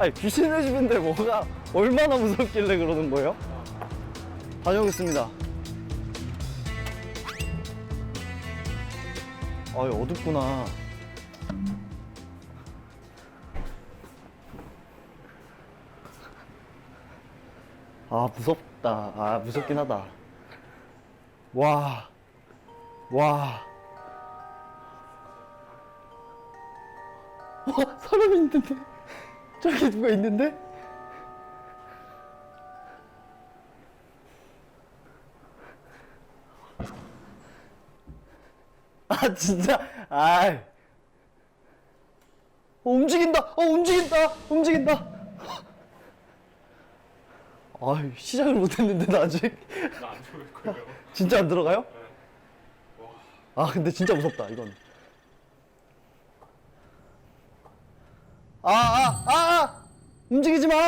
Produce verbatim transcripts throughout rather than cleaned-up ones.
아니 귀신의 집인데 뭐가 얼마나 무섭길래 그러는 거예요? 다녀오겠습니다. 아, 어둡구나. 아, 무섭다. 아, 무섭긴 하다. 와. 와. 와, 사람이 있는데? 저기 누가 있는데? 아, 진짜? 아이. 어, 움직인다! 어, 움직인다! 움직인다! 아, 시작을 못했는데, 나 아직. 나 안 들어올 거예요. 진짜 안 들어가요? 네. 아, 근데 진짜 무섭다, 이건. 아, 아, 아! 아! 움직이지 마!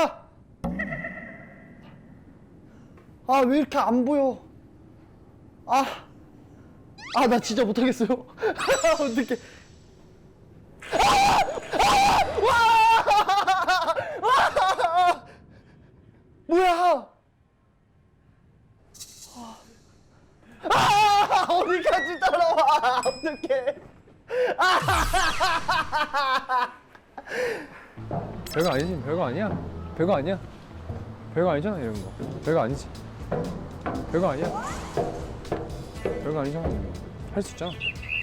아, 왜 이렇게 안 보여? 아, 아, 나 진짜 못하겠어요. 어떡해. 아! 아! 와! 와! 뭐야? 아! 어디까지 따라와? 어떡해. 별거 아니지, 별거 아니야. 별거 아니야. 별거 아니잖아, 이런 거. 별거 아니지. 별거 아니야. 별거 아니잖아. 할 수 있잖아.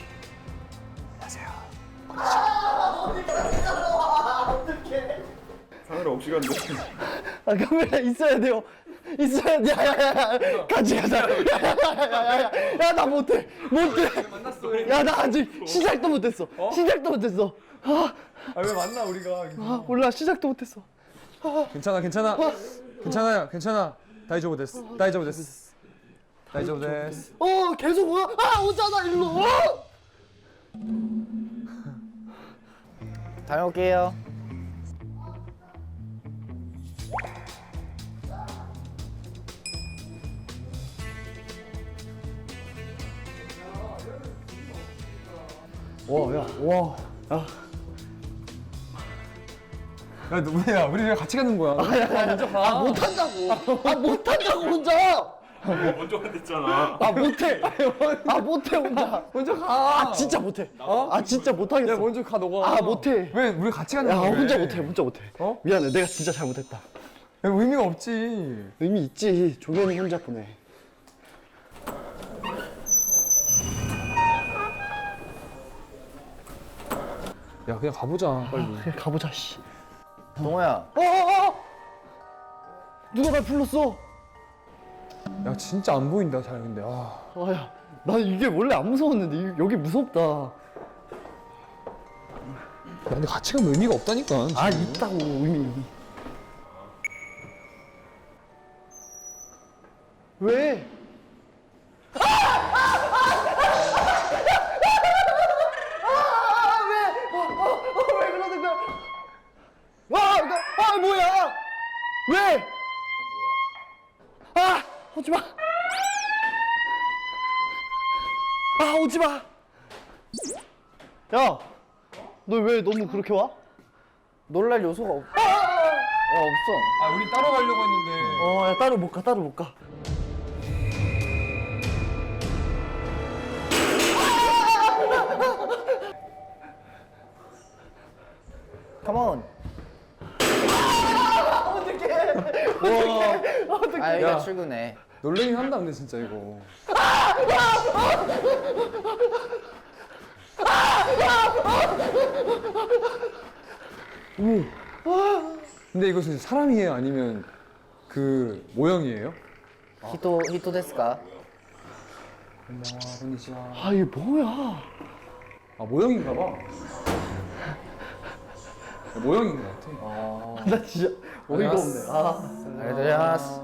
카메라 없이 간대. 아, 카메라 있어야 돼요. 있어야 돼. 야야야야. 같이 가자. 야야야야. 야, 나 못해. 못해. 만났어. 야, 나 아직 시작도 못했어. 시작도 못했어. 아, 아, 왜 만나, 우리가. 아, 몰라. 시작도 못했어. 괜찮아, 괜찮아. 괜찮아요, 괜찮아. 다이조부 데스. 다이조부 데스. 다이조부 데스. 어, 계속 와. 아, 오잖아, 일로. 어! 다녀올게요. 와, 야, 와, 야. 야, 누구야? 우리 같이 가는 거야. 아, 야, 야, 먼저 가. 아, 못한다고. 아, 못한다고, 혼자. 먼저 간댔잖아. 아, 못해. 아, 못해, 혼자. 먼저 가. 아, 진짜 못해. 어? 아, 진짜 못하겠어. 야, 먼저 가, 너가. 아, 못해. 왜, 우리 같이 가는 야, 거야? 혼자 왜? 못해, 혼자 못해. 어? 미안해, 내가 진짜 잘못했다. 야, 의미가 없지. 의미 있지. 조개는 혼자 보내. 야, 그냥 가보자, 빨리. 그래, 가보자, 씨. 동호야. 어, 어, 어! 누가 날 불렀어? 야, 진짜 안 보인다, 잘 근데. 아. 아, 야, 나 이게 원래 안 무서웠는데 이- 여기 무섭다. 야, 근데 같이 가면 의미가 없다니까. 아, 지금. 있다고 의미. 왜? 아, 왜? 어, 어, 어, 왜 그러는 거야? 와, 이거, 아, 뭐야? 왜? 아, 오지 마. 아, 오지 마. 야, 너 왜 너무 그렇게 와? 놀랄 요소가 없. 아, 어, 없어. 아, 우리 따로 가려고 했는데. 어, 야, 따로 못 가, 따로 못 가. 컴온. 어떡해. 와. 어떡해. 아, 여기가 야. 출근해. 놀래긴 한다, 근데 진짜 이거. 오. 근데 이거 진짜 사람이에요? 아니면 그 모형이에요? 히토, 히토 데스까? 안녕하, konnichiwa. 아, 이게 뭐야? 아, 모형인가 봐. 야, 모형인 것 같아. 어. 나 진짜 어이가 없네. 아. 알려드리마스.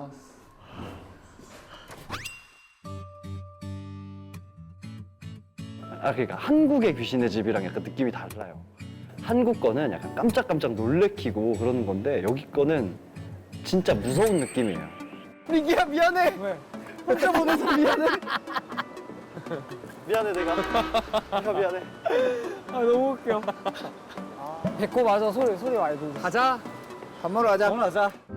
아, 그러니까 한국의 귀신의 집이랑 약간 느낌이 달라요. 한국 거는 약간 깜짝깜짝 놀래키고 그러는 건데 여기 거는 진짜 무서운 느낌이에요. 민기야, 미안해. 왜? 혼자 보내서 미안해. 미안해, 내가. 내가 미안해. 아, 너무 웃겨. 배꼽 맞아 소리 소리 많이 들리지. 가자. 밥 먹으러 가자. 하자.